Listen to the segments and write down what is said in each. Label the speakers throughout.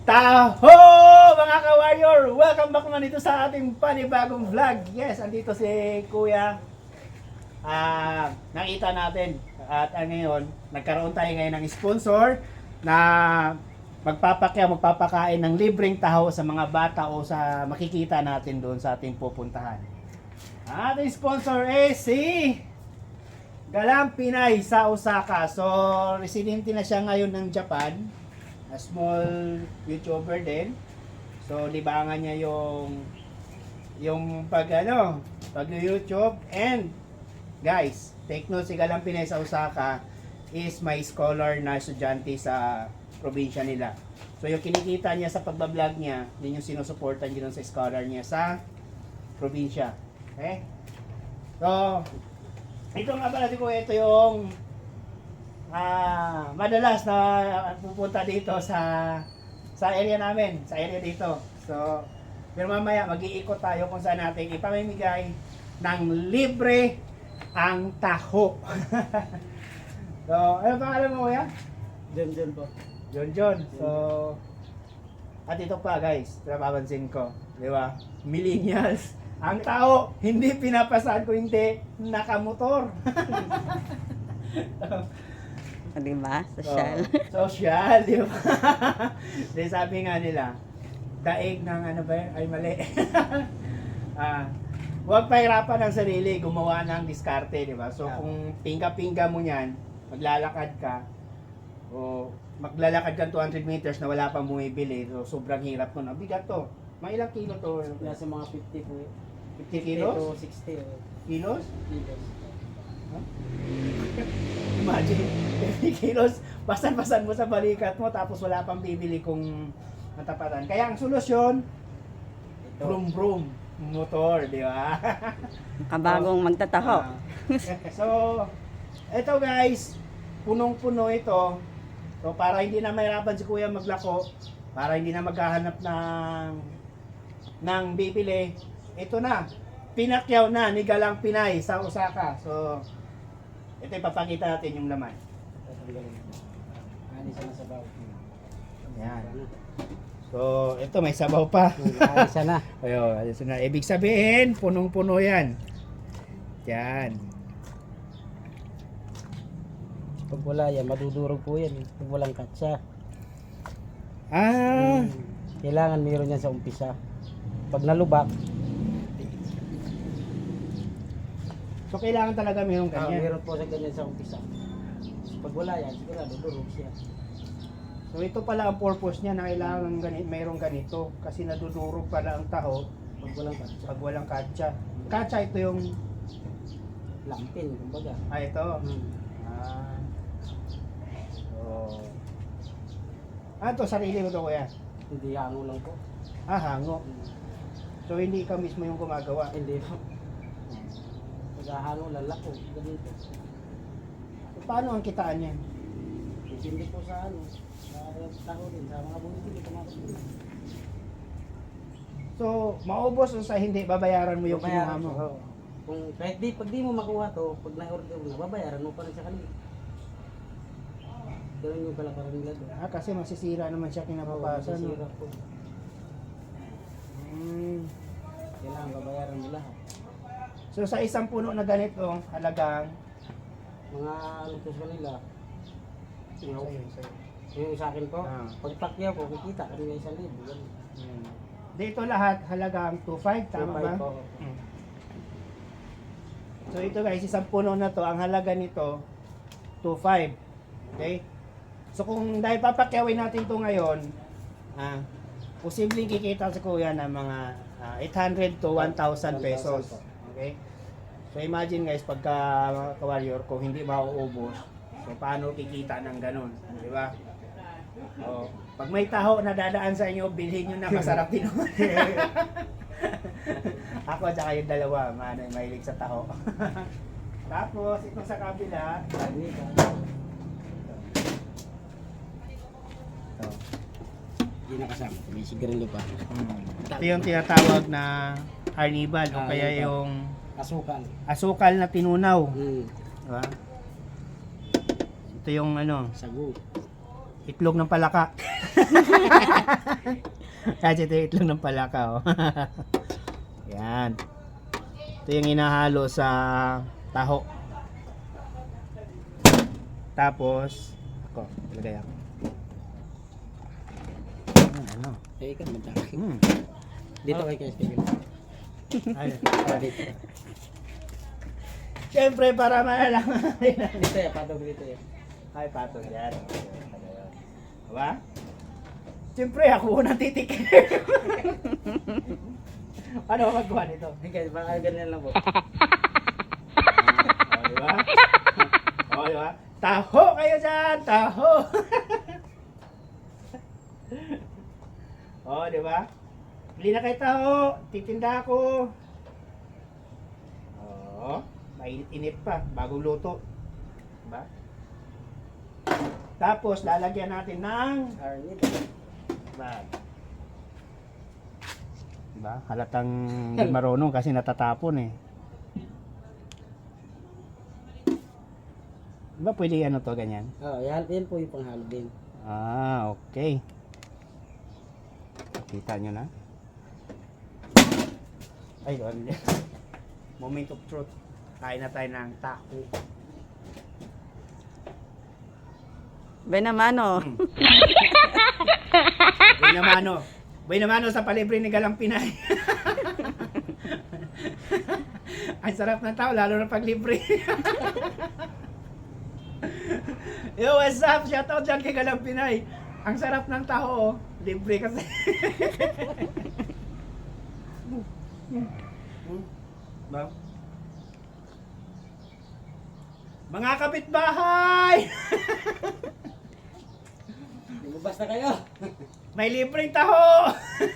Speaker 1: Taho mga ka-warrior! Welcome back naman dito sa ating panibagong vlog. Yes, andito si Kuya. Nakita natin at ngayon, nagkaroon tayo ngayon ng sponsor na magpapakain ng libreng taho sa mga bata o sa makikita natin doon sa ating pupuntahan. Ang ating sponsor is si Galang Pinay sa Osaka. So, residente na siya ngayon ng Japan. A small YouTuber din. So, libangan niya yung pag YouTube. And guys, take note, si Galang Pinay sa Osaka is my scholar na estudyante sa probinsya nila. So, yung kinikita niya sa pagbablog niya, yun yung sinusuportan niya sa scholar niya sa probinsya. Okay? So, ito nga pala ko, ito yung madalas na pupunta dito sa area namin, sa area dito. So, pero mamaya mag-iikot tayo kung saan natin ipamimigay ng libre ang taho. So, ano pangalan mo kuya?
Speaker 2: John po.
Speaker 1: John. So, at ito pa guys, napapansin ko, di ba? Millennials. Ang tao, hindi pinapasahan ko hindi nakamotor.
Speaker 3: Di ba? Social.
Speaker 1: Social, di ba? Di sabi nga nila, daig ng ano ba yun? Ay mali. Huwag pahirapan ang sarili, gumawa ng diskarte, di ba? So kung pinga-pinga mo yan, maglalakad ka, o maglalakad ka 200 meters na wala pang bumibili, so sobrang hirap nun. Ang bigat to. Mga ilang kilo to?
Speaker 2: Nasa mga 50 po.
Speaker 1: 50 kilos?
Speaker 2: 60
Speaker 1: Kilos?
Speaker 2: kilos.
Speaker 1: Imagine, 50 kilos, pasan-pasan mo sa balikat mo tapos wala pang bibili kung matapatan. Kaya ang solusyon, brum-brum, motor, di ba?
Speaker 3: Kabagong magtataho.
Speaker 1: So, eto guys, punong-puno ito. So, para hindi na mahirapan si Kuya maglako, para hindi na maghahanap ng bibili, ito na, pinakyaw na ni Galang Pinay sa Osaka. So, ito ipapakita natin yung laman.
Speaker 2: Ani sa sabaw.
Speaker 1: Yan. So, ito may sabaw pa.
Speaker 2: Ayos na.
Speaker 1: Ayun, ayos na. Ibig sabihin, punong-puno yan. Yan.
Speaker 2: Pag wala yan, madudurog po yan. Pag walang katsa. Kailangan mayroon yan sa umpisa. Pag nalubak,
Speaker 1: So, kailangan talaga mayroong ganyan.
Speaker 2: mayroon po sa ganyan sa umpisa. Pag wala yan, sigurado durog siya.
Speaker 1: So, ito pala ang purpose niya na kailangan mayroong ganito. Kasi nadudurog pala ang taho
Speaker 2: Pag walang katsa.
Speaker 1: pag walang katsa. Katsa ito yung...
Speaker 2: Lampin, kumbaga.
Speaker 1: ito. Ito, sarili mo to kuya.
Speaker 2: Hindi hango lang po.
Speaker 1: Hango. So, hindi ikaw mismo yung gumagawa.
Speaker 2: Hindi po. Pag-hango, lalako. Ganito.
Speaker 1: So, paano ang kitaan niyan?
Speaker 2: Hindi po sa ano. Sa tao din. Sa mga bumibili, kumakabili.
Speaker 1: So, maubos o sa hindi, babayaran mo yung kinuha mo.
Speaker 2: Oo. Kung kahit pag di mo makuha to, pag na-order mo na, babayaran mo pa rin sa kanila. Ganun yung kalakaran nila doon.
Speaker 1: Kasi masisira naman siya kinabukasan.
Speaker 2: Masisira po. Kailangan babayaran mo lahat.
Speaker 1: So, sa isang puno na ganito, halagang...
Speaker 2: Mga ano po sa kanila,
Speaker 1: Sa'yo.
Speaker 2: yung sa akin po, pag pakyaw ko, kikita kami may 1,000. Ganun.
Speaker 1: Dito lahat halagang 2.5, tama ba?
Speaker 2: 2,500 po.
Speaker 1: So ito guys, isang puno na to, ang halaga nito 2.5. Okay? So kung dahil papakyawin natin to ngayon, posibleng kikita sa kuya ng mga 800 to 1,000 pesos. Okay? So imagine guys, pagka ka-warrior, kung hindi mauubos, so paano kikita ng ganun? Di ba? Pag may taho na dadaan sa inyo, bilhin nyo na, masarap din naman. Ako at saka yung dalawa, mahilig sa taho. Tapos, itong sa kabila,
Speaker 2: Hindi nakasama, may sigarilyo pa.
Speaker 1: ito yung tinatawag na carnival o kaya yung
Speaker 2: Asukal.
Speaker 1: asukal na tinunaw. Diba? Ito yung ano,
Speaker 2: Sagu.
Speaker 1: itlog ng palaka. Kasi ito yung itlog ng palaka, oh. Yan. Ito yung inahalo sa taho. Tapos, ako, ilagay ako. Ano?
Speaker 2: Eh, ikaw magdaki. Dito
Speaker 1: Oh.
Speaker 2: kay Steven.
Speaker 1: Ay,
Speaker 2: Dito.
Speaker 1: Siyempre, para malalaman natin.
Speaker 2: Dito ya, patog dito ya.
Speaker 1: Ay, patong yan. Diba? Siyempre, ako unang titikin. Ano ba magawa nito?
Speaker 2: Guys, baka ganyan lang po.
Speaker 1: O, diba? O, diba? Taho kayo dyan! Taho! O, diba? Bili na kayo taho. Titinda ako. O, mainit-init pa. Bagong luto. Diba? Tapos, lalagyan natin ng
Speaker 2: Arnit.
Speaker 1: bag. Diba? Halatang di marunong kasi natatapon eh. Diba pwede ano to, ganyan?
Speaker 2: Oh, yan po yung panghalo din.
Speaker 1: Ah, okay. Kita nyo na. Ay, ano yan? Moment of truth. Kain na tayo ng taco.
Speaker 3: Benamano.
Speaker 1: Buhay namano sa palibre ni Galang Pinay. Ang sarap ng tao, lalo na pag libre. Yo, what's up? Shoutout dyan kay Galang Pinay. Ang sarap ng tao, oh. Libre kasi. Ba? Mga kapitbahay!
Speaker 2: Lumabas na kayo.
Speaker 1: May libreng taho!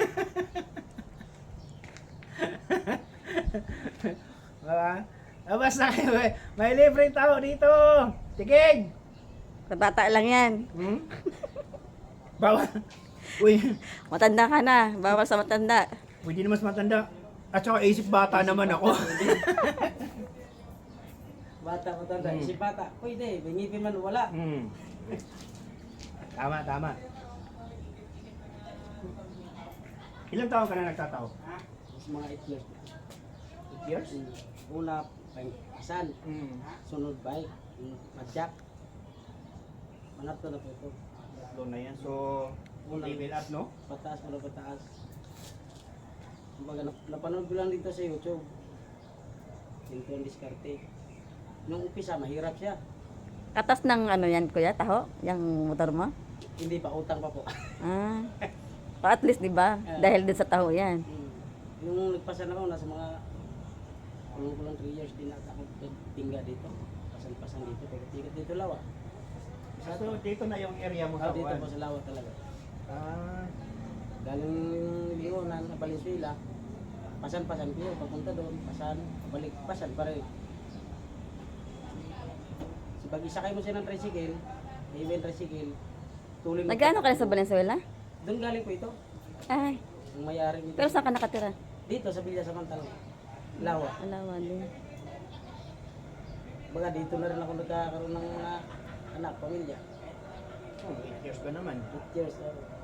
Speaker 1: Diba? Labas na kayo. May libreng taho dito! Tigig!
Speaker 3: Sa bata lang yan.
Speaker 1: Hmm? Bawal. Uy,
Speaker 3: Matanda ka na. Bawal sa matanda.
Speaker 1: pwede naman mas matanda. At saka isip bata naman ako.
Speaker 2: Bata ko tanda. Isip bata. Pwede. Bingipin man wala.
Speaker 1: Hmm. Tama, tama. Ilang taon ka na nagtataho?
Speaker 2: Mas mga 8 years.
Speaker 1: 8 years?
Speaker 2: Una, pang-asan.
Speaker 1: Hmm.
Speaker 2: Sunod bike. Madjak. Manap to na po ito.
Speaker 1: Doon na yan. So,
Speaker 2: Unang-
Speaker 1: level up, no?
Speaker 2: Pataas mo na pataas. Kumbaga, napanood ko lang dito sa YouTube. Ito ang diskarte. Nung umpisa, mahirap siya.
Speaker 3: Katas ng ano yan, kuya, taho? Yung motor mo?
Speaker 2: Hindi pa utang pa po.
Speaker 3: Ah. Pa at least, di ba? Dahil din sa taho yan.
Speaker 2: Yung nagpasan ako, nasa mga kulang 3 years din ata ako tingga dito. Pasan-pasan dito. Pagkatigat dito lawa.
Speaker 1: So, dito na yung area mo sa
Speaker 2: Dito
Speaker 1: Juan.
Speaker 2: po sa lawa talaga.
Speaker 1: Ah,
Speaker 2: Galing yung Leonan na Valenzuela. Pasan-pasan ko yun. Papunta doon. Pasan. Balik. Pasan pa rin. So, pag isakay mo siya ng tricycle, may event tricycle, tuloy mo.
Speaker 3: Nag-ano ka na sa Valenzuela?
Speaker 2: Doon galing po ito.
Speaker 3: Ay.
Speaker 2: Ang mayari dito.
Speaker 3: Pero saan ka nakatira?
Speaker 2: Dito sa Villa Samantala. Lawa.
Speaker 3: Alawan din.
Speaker 2: Baga dito na rin ako nagkakaroon ng mga anak, pamilya.
Speaker 1: oh, 8 years ka naman.
Speaker 2: 8 years.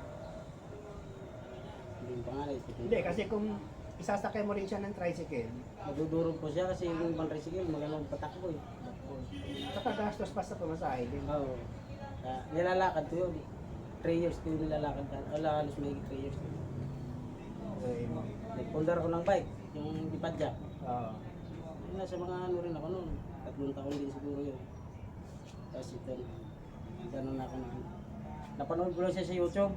Speaker 2: Hindi yung pangalan.
Speaker 1: Hindi, kasi kung isasakay mo rin siya ng tricycle,
Speaker 2: Magdudurog po siya kasi yung ibang tricycle magalang patakbo eh.
Speaker 1: saka gastos pa sa pamasahe din.
Speaker 2: Oo. Nilalakad ko yun. 3 years ko yung nilalakad. Wala halos may 3 years.
Speaker 1: Okay.
Speaker 2: Nagpundar ko ng bike, yung ipadyak.
Speaker 1: Oo.
Speaker 2: Nasa mga ano rin ako noon. 3 taon din siguro yun. Tapos ito, ganun ako na. Napanood ko lang siya sa YouTube.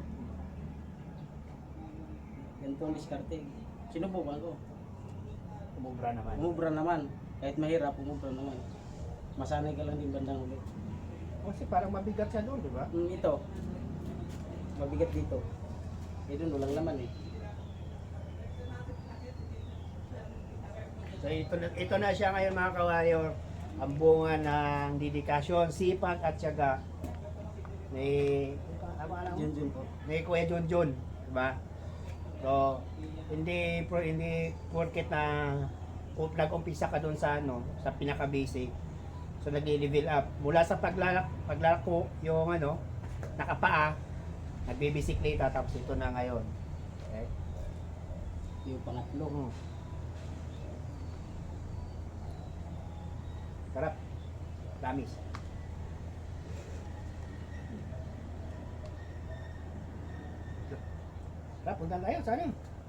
Speaker 2: Ganito ang diskarte. Sinubukan ko.
Speaker 1: Umubra naman.
Speaker 2: Umubra naman. Kahit mahirap, umubra naman. Masanay ka lang din bandang ulit.
Speaker 1: Kasi parang mabigat siya doon, di ba?
Speaker 2: Ito, mabigat dito. Eh doon, walang laman eh.
Speaker 1: So ito na siya ngayon mga kawayo. Ang bunga ng dedikasyon, sipag at syaga ni
Speaker 2: Junjun po.
Speaker 1: ni Kuya Junjun, di ba? So hindi porket na nag-umpisa ka doon sa ano, sa pinaka-basic. So nag-level up mula sa paglalako yung ano, nakapaa, nagbibisikleta, tapos ito na ngayon. Okay?
Speaker 2: Yung pangatlo.
Speaker 1: Sarap. Promise. Sarap, punta tayo. Saan yun?